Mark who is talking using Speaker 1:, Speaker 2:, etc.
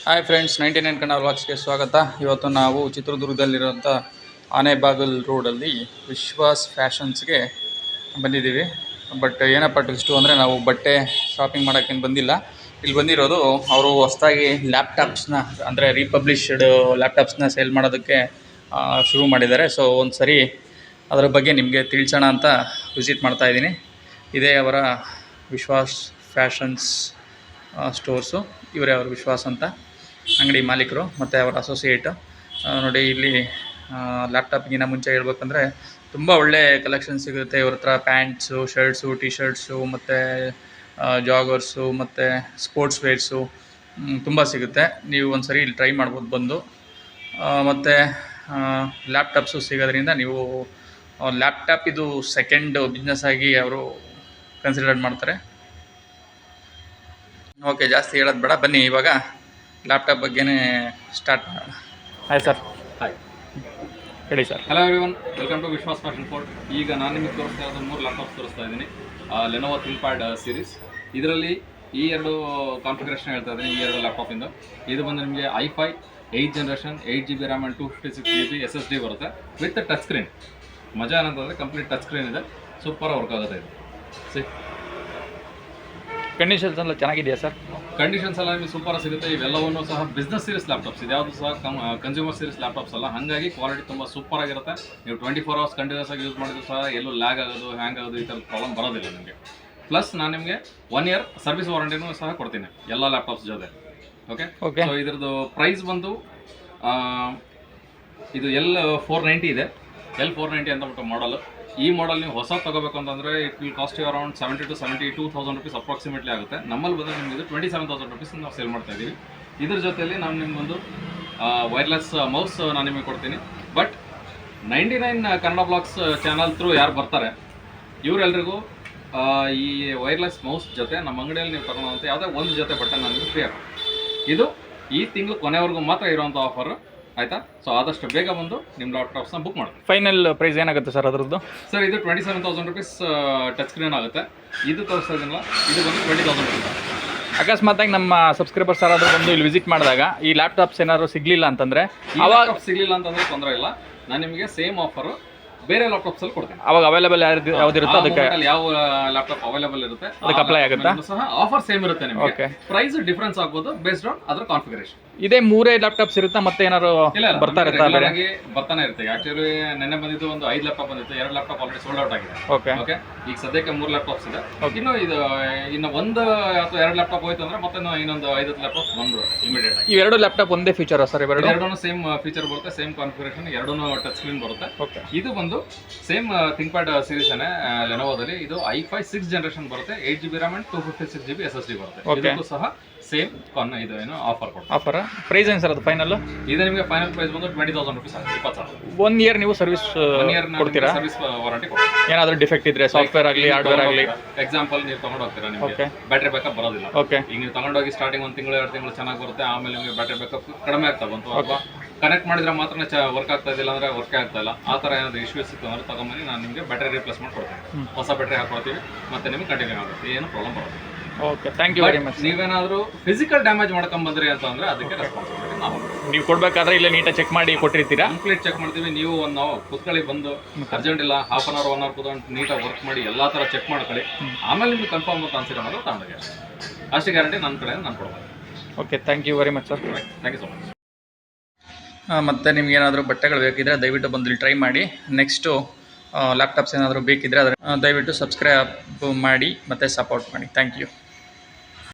Speaker 1: Hi friends, 99 Kannada ವ್ಲಾಗ್ಸ್ಗೆ ಸ್ವಾಗತ. ಇವತ್ತು ನಾವು ಚಿತ್ರದುರ್ಗದಲ್ಲಿರುವಂಥ ಆನೆಬಾಗಲ್ ರೋಡಲ್ಲಿ ವಿಶ್ವಾಸ್ ಫ್ಯಾಷನ್ಸ್ಗೆ ಬಂದಿದ್ದೀವಿ. ಬಟ್ ಏನಪ್ಪ ಟ್ವಿಸ್ಟು ಅಂದರೆ ನಾವು ಬಟ್ಟೆ ಶಾಪಿಂಗ್ ಮಾಡೋಕ್ಕೇನು ಬಂದಿಲ್ಲ. ಇಲ್ಲಿ ಬಂದಿರೋದು ಅವರು ಹೊಸದಾಗಿ ಲ್ಯಾಪ್ಟಾಪ್ಸ್ನ ಅಂದರೆ ರೀಪಬ್ಲಿಷ್ಡ್ ಲ್ಯಾಪ್ಟಾಪ್ಸ್ನ ಸೇಲ್ ಮಾಡೋದಕ್ಕೆ ಶುರು ಮಾಡಿದ್ದಾರೆ. ಸೊ ಒಂದು ಸರಿ ಅದರ ಬಗ್ಗೆ ನಿಮಗೆ ತಿಳಿಸೋಣ ಅಂತ ವಿಸಿಟ್ ಮಾಡ್ತಾಯಿದ್ದೀನಿ. ಇದೇ ಅವರ ವಿಶ್ವಾಸ್ ಫ್ಯಾಷನ್ಸ್ ಸ್ಟೋರ್ಸು. ಇವರೇ ಅವರು ವಿಶ್ವಾಸ್ ಅಂತ ಅಂಗಡಿ ಮಾಲೀಕರು ಮತ್ತು ಅವರ ಅಸೋಸಿಯೇಟು. ನೋಡಿ, ಇಲ್ಲಿ ಲ್ಯಾಪ್ಟಾಪ್ಗಿಂತ ಮುಂಚೆ ಹೇಳ್ಬೇಕಂದ್ರೆ ತುಂಬ ಒಳ್ಳೆ ಕಲೆಕ್ಷನ್ ಸಿಗುತ್ತೆ ಇವ್ರ ಹತ್ರ. ಪ್ಯಾಂಟ್ಸು, ಶರ್ಟ್ಸು, ಟಿ ಶರ್ಟ್ಸು ಮತ್ತು ಜಾಗರ್ಸು ಮತ್ತು ಸ್ಪೋರ್ಟ್ಸ್ ವೇರ್ಸು ತುಂಬ ಸಿಗುತ್ತೆ. ನೀವು ಒಂದು ಸರಿ ಇಲ್ಲಿ ಟ್ರೈ ಮಾಡ್ಬೋದು ಬಂದು. ಮತ್ತು ಲ್ಯಾಪ್ಟಾಪ್ಸು ಸಿಗೋದ್ರಿಂದ ನೀವು ಲ್ಯಾಪ್ಟಾಪ್ ಇದು ಸೆಕೆಂಡ್ ಬಿಸ್ನೆಸ್ ಆಗಿ ಅವರು ಕನ್ಸಿಡರ್ ಮಾಡ್ತಾರೆ. ಓಕೆ, ಜಾಸ್ತಿ ಹೇಳೋದು ಬೇಡ, ಬನ್ನಿ ಇವಾಗ ಲ್ಯಾಪ್ಟಾಪ್ ಬಗ್ಗೆನೇ ಸ್ಟಾರ್ಟ್ ಮಾಡೋಣ. Hi sir.
Speaker 2: ಹಾಯ್,
Speaker 1: ಹೇಳಿ sir.
Speaker 2: Hello everyone, welcome to Vishwas fashion fort. ಈಗ ನಾನು ನಿಮಗೆ ತೋರಿಸ್ತಾ ಇರೋದು 3 ಲ್ಯಾಪ್ಟಾಪ್ಸ್ ತೋರಿಸ್ತಾ ಇದ್ದೀನಿ. Lenovo ThinkPad series. ಇದರಲ್ಲಿ ಈ 2 ಕಾನ್ಫಿಗರೇಷನ್ ಹೇಳ್ತಾ ಇದ್ದೀನಿ. ಈ 2 ಲ್ಯಾಪ್ಟಾಪಿಂದ ಇದು ಬಂದು ನಿಮಗೆ i5 8th generation 8GB RAM and 256GB SSD ಬರುತ್ತೆ ವಿತ್ ಟಚ್ ಸ್ಕ್ರೀನ್. ಮಜಾ ಏನಂತಂದರೆ ಕಂಪ್ಲೀಟ್ ಟಚ್ ಸ್ಕ್ರೀನ್ ಇದೆ, ಸೂಪರ್ ವರ್ಕ್ ಆಗುತ್ತೆ ಇದು.
Speaker 1: ಕಂಡೀಷನ್ಸ್ ಎಲ್ಲ ಚೆನ್ನಾಗಿದೆಯಾ ಸರ್?
Speaker 2: ಕಂಡೀಷನ್ಸ್ ಎಲ್ಲ ನಿಮಗೆ ಸೂಪರ್ ಸಿಗುತ್ತೆ. ಇವೆಲ್ಲವನ್ನೂ ಸಹ ಬಿಸ್ನೆಸ್ ಸೀರೀಸ್ ಲ್ಯಾಪ್ಟಾಪ್ಸ್, ಇದ್ಯಾವುದು ಸಹ ಕನ್ಸ್ಯೂಮರ್ ಸೀರೀಸ್ ಲ್ಯಾಪ್ಟಾಪ್ಸ್ ಅಲ್ಲ. ಹಾಗಾಗಿ ಕ್ವಾಲಿಟಿ ತುಂಬ ಸೂಪರ್ ಆಗಿರುತ್ತೆ. ನೀವು 24 hours ಕಂಟಿನ್ಯೂಸ್ ಆಗಿ ಯೂಸ್ ಮಾಡಿದ್ರು ಸಹ ಎಲ್ಲೂ ಲ್ಯಾಗ್ ಆಗೋದು, ಹ್ಯಾಂಗ್ ಆಗೋದು ಈ ಥರದ ಪ್ರಾಬ್ಲಮ್ ಬರೋದಿಲ್ಲ ನಿಮಗೆ. ಪ್ಲಸ್ ನಾನು ನಿಮಗೆ 1 year ಸರ್ವಿಸ್ ವಾರಂಟಿನೂ ಸಹ ಕೊಡ್ತೀನಿ ಎಲ್ಲ ಲ್ಯಾಪ್ಟಾಪ್ಸ್ ಜೊತೆ. ಓಕೆ. ಸೊ ಇದ್ರದ್ದು ಪ್ರೈಸ್ ಬಂದು ಇದು L490 ಇದೆ. L490 ಅಂತ ಬಿಟ್ಟು ಮಾಡಲ್. ಈ ಮಾಡಲ್ ನೀವು ಹೊಸ ತೊಗೋಬೇಕು ಅಂತಂದರೆ it will cost you around 70,000 to 72,000 rupees approximately ಆಗುತ್ತೆ. ನಮ್ಮಲ್ಲಿ ಬಂದರೆ ನಿಮಗೆ ಇದು 27,000 rupees ನಾವು ಸೇಲ್ ಮಾಡ್ತಾ ಇದ್ದೀವಿ. ಇದ್ರ ಜೊತೆಯಲ್ಲಿ ನಾನು ನಿಮಗೊಂದು ವೈರ್ಲೆಸ್ ಮೌಸ್ ನಾನು ನಿಮಗೆ ಕೊಡ್ತೀನಿ. But 99 Kannada blogs channel through ಯಾರು ಬರ್ತಾರೆ ಇವರೆಲ್ಲರಿಗೂ ಈ ವೈರ್ಲೆಸ್ ಮೌಸ್ ಜೊತೆ ನಮ್ಮ ಅಂಗಡಿಯಲ್ಲಿ ನೀವು ತಗೊಳ್ಳೋಂಥ ಯಾವುದೇ ಒಂದು ಜೊತೆ ಬಟ್ಟೆ ನನಗೆ ಫ್ರೀ ಆಗುತ್ತೆ. ಇದು ಈ ತಿಂಗಳು ಕೊನೆವರೆಗೂ ಮಾತ್ರ ಇರೋಂಥ ಆಫರ್, ಆಯಿತಾ? ಸೊ ಆದಷ್ಟು ಬೇಗ ಬಂದು ನಿಮ್ಮ ಲ್ಯಾಪ್ಟಾಪ್ಸ್ನ ಬುಕ್ ಮಾಡಿ.
Speaker 1: ಫೈನಲ್ ಪ್ರೈಸ್ ಏನಾಗುತ್ತೆ ಸರ್ ಅದರದ್ದು?
Speaker 2: ಸರ್ ಇದು 27,000 rupees ಟಚ್ ಸ್ಕ್ರೀನ್ ಆಗುತ್ತೆ. ಇದು ತೋರಿಸ್ತಾ ಇದೀನಲ್ಲ, ಇದು ಬಂದು 20,000 rupees.
Speaker 1: ಅಕಸ್ಮಾತಾಗಿ ನಮ್ಮ ಸಬ್ಸ್ಕ್ರೈಬರ್ಸ್ ಯಾರಾದರೂ ಬಂದು ಇಲ್ಲಿ ವಿಸಿಟ್ ಮಾಡಿದಾಗ ಈ ಲ್ಯಾಪ್ಟಾಪ್ಸ್ ಏನಾದ್ರು ಸಿಗಲಿಲ್ಲ ಅಂತಂದರೆ,
Speaker 2: ಅವಾಗ ಸಿಗಲಿಲ್ಲ ಅಂತಂದರೆ ತೊಂದರೆ ಇಲ್ಲ, ನಾನು ನಿಮಗೆ ಸೇಮ್ ಆಫರು ಬೇರೆ ಲ್ಯಾಪ್ಟಾಪ್ಸ್ ಅಲ್ಲಿ ಕೊಡ್ತೀನಿ.
Speaker 1: ಅವಾಗ ಅವೈಲೇಬಲ್ ಯಾವ್ದಿರುತ್ತೋ ಅದಕ್ಕೆ
Speaker 2: ಯಾವ ಲ್ಯಾಪ್ಟಾಪ್ ಅವೈಲೇಬಲ್ ಇರುತ್ತೆ
Speaker 1: ಅದಕ್ಕೆ ಅಪ್ಲೈ ಆಗುತ್ತಾ?
Speaker 2: ಸಹ ಆಫರ್ ಸೇಮ್ ಇರುತ್ತೆ ನಿಮಗೆ. ಪ್ರೈಸ್ ಡಿಫರೆನ್ಸ್ ಆಗ್ಬೋದು ಬೇಸ್ಡ್ ಆನ್ ಅದರ ಕಾನ್ಫಿಗರೇಷನ್.
Speaker 1: ಇದೇ 3 ಲ್ಯಾಪ್ಟಾಪ್ಸ್ ಇರುತ್ತಾ ಮತ್ತೆ ಏನಾದ್ರು ಬರ್ತಾ
Speaker 2: ಬರ್ತಾನೆ ಇರುತ್ತೆ. ಆಕ್ಚುಲಿ ನೆನ್ನೆ ಬಂದಿದ್ದು ಒಂದು 5 ಲ್ಯಾಪ್ಟಾಪ್ ಬಂದಿತ್ತು. 2 ಲ್ಯಾಪ್ಟಾಪ್ ಆಲ್ರೆಡಿ ಸೋಲ್ಡ್ ಔಟ್ ಆಗಿದೆ. ಓಕೆ. ಈಗ ಸದ್ಯಕ್ಕೆ 3 ಲ್ಯಾಪ್ಟಾಪ್ಸ್ ಇದೆ. ಇನ್ನು ಒಂದು ಅಥವಾ 2 ಲ್ಯಾಪ್ಟಾಪ್ ಹೋಯ್ತು ಅಂದ್ರೆ ಮತ್ತೆ ಇನ್ನೊಂದು 5 ಲ್ಯಾಪ್ಟಾಪ್ ಬಂದ್ರು ಇಮಿಡಿಯೇಟ್ ಆಗಿ.
Speaker 1: ಈ 2 ಲ್ಯಾಪ್ಟಾಪ್ ಒಂದೇ ಫೀಚರ್ ಸರ್?
Speaker 2: ಎರಡೂ ಸೇಮ್ ಫೀಚರ್ ಬರುತ್ತೆ, ಸೇಮ್ ಕಾನ್ಫಿಗರೇಷನ್, ಎರಡೂ ಟಚ್ ಸ್ಕ್ರೀನ್ ಬರುತ್ತೆ. ಇದು ಬಂದು ಸೇಮ್ ಥಿಂಕ್ಪ್ಯಾಡ್ ಸೀರೀಸ್ ಏನೇ ಲೆನೋವೋದಲ್ಲಿ. ಇದು i5 6th ಜನರೇಷನ್ ಬರುತ್ತೆ, 8GB RAM and 256GB SSD ಬರುತ್ತೆ. ಇದಕ್ಕೂ ಸಹ ಸೇಮ್ ಇದು ಏನು ಆಫರ್ ಕೊಡ್ತಾರೆ.
Speaker 1: ಆಫರ್ ಪ್ರೈಸ್ ಏನು ಸರ್ ಅದು ಫೈನಲ್?
Speaker 2: ಇದು ನಿಮಗೆ ಫೈನಲ್ ಪ್ರೈಸ್ ಬಂದು 20,000 rupees ಆಗುತ್ತೆ. 20,000.
Speaker 1: 1 year ನೀವು ಸರ್ವಿಸ್ ಕೊಡ್ತೀರಾ?
Speaker 2: ಸರ್ವಿಸ್ ವಾರಂಟಿ ಕೊಡ್ತೀರಾ.
Speaker 1: ಏನಾದರೂ ಡಿಫೆಕ್ಟ್ ಇದ್ರೆ ಸಾಫ್ಟ್ವೇರ್ ಆಗಲಿ ಹಾರ್ಡ್ವೇರ್ ಆಗಲಿ.
Speaker 2: ಎಕ್ಸಾಂಪಲ್ ನೀವು ತಗೊಂಡು ಹೋಗ್ತೀರಾ, ನಿಮಗೆ ಬ್ಯಾಟ್ರಿ ಬ್ಯಾಕಪ್ ಬರೋದಿಲ್ಲ. ಈಗ ನೀವು ತಗೊಂಡೋಗಿ ಸ್ಟಾರ್ಟಿಂಗ್ 1 ತಿಂಗಳು 2 ತಿಂಗಳು ಚೆನ್ನಾಗಿ ಬರುತ್ತೆ, ಆಮೇಲೆ ನಿಮಗೆ ಬ್ಯಾಟ್ರಿ ಬ್ಯಾಕಪ್ ಕಡಿಮೆ ಆಗ್ತಾ ಬಂತು, ಅಥವಾ ಕನೆಕ್ಟ್ ಮಾಡಿದ್ರೆ ಮಾತ್ರ ವರ್ಕ್ ಆಗ್ತಾ ಇದ್ದಿಲ್ಲ ಅಂದ್ರೆ ವರ್ಕ್ ಆಗ್ತಾ ಇಲ್ಲ, ಆ ಥರ ಏನಾದರೂ ಇಶ್ಯೂಸ್ ಇತ್ತು ಅಂದ್ರೆ ತಗೊಂಬನ್ನಿ, ನಾನು ನಿಮಗೆ ಬ್ಯಾಟ್ರಿ ರಿಪ್ಲೇಸ್ಮೆಂಟ್ ಕೊಡ್ತೀನಿ. ಹೊಸ ಬ್ಯಾಟ್ರಿ ಹಾಕೊಡ್ತೀವಿ, ಮತ್ತೆ ನಿಮಗೆ ಕಂಟಿನ್ಯೂ ಆಗುತ್ತೆ, ಏನು ಪ್ರಾಬ್ಲಮ್ ಬರೋದಿಲ್ಲ.
Speaker 1: Okay, thank you very much.
Speaker 2: ನೀವೇನಾದರೂ ಫಿಸಿಕಲ್ ಡ್ಯಾಮೇಜ್ ಮಾಡ್ಕೊಂಬಂದ್ರಿ ಅಂತಂದ್ರೆ ಅದಕ್ಕೆ ರೆಸ್ಪಾನ್ಸಿಬಿಲಿಟಿ ನಾವು.
Speaker 1: ನೀವು ಕೊಡಬೇಕಾದ್ರೆ ಇಲ್ಲ ನೀಟಾಗಿ ಚೆಕ್ ಮಾಡಿ ಕೊಟ್ಟಿರ್ತೀರಾ?
Speaker 2: ಕಂಪ್ಲೀಟ್ ಚೆಕ್ ಮಾಡ್ತೀವಿ. ನೀವು ನಾವು ಕೂತ್ಕೊಳ್ಳಿ, ಬಂದು ಅರ್ಜೆಂಟ್ ಇಲ್ಲ, ಹಾಫ್ ಅನ್ ಅವರ್ 1 hour ಕೂತ್ಕೊಂಡು ನೀಟಾಗಿ ವರ್ಕ್ ಮಾಡಿ ಎಲ್ಲ ಥರ ಚೆಕ್ ಮಾಡ್ಕೊಳ್ಳಿ. ಆಮೇಲೆ ನಿಮ್ಗೆ ಕನ್ಫರ್ಮ್ ಅಂತ ಅನ್ಸಿರೋ ಅನ್ನೋದು ತಗೊಂಡೋಗಿ ಅಷ್ಟೇ ಗ್ಯಾರಂಟಿ ನನ್ನ ಕಡೆ ನಾನು ಕೊಡ್ಬೋದು.
Speaker 1: Okay, thank you very much sir.
Speaker 2: Thank you so much.
Speaker 1: ಮತ್ತು ನಿಮ್ಗೇನಾದರೂ ಬಟ್ಟೆಗಳು ಬೇಕಿದ್ದರೆ ದಯವಿಟ್ಟು ಬಂದು ಇಲ್ಲಿ ಟ್ರೈ ಮಾಡಿ. ನೆಕ್ಸ್ಟು ಲ್ಯಾಪ್ಟಾಪ್ಸ್ ಏನಾದರೂ ಬೇಕಿದ್ದರೆ ಅದರ ದಯವಿಟ್ಟು ಸಬ್ಸ್ಕ್ರೈಬ್ ಮಾಡಿ ಮತ್ತು ಸಪೋರ್ಟ್ ಮಾಡಿ. Thank you.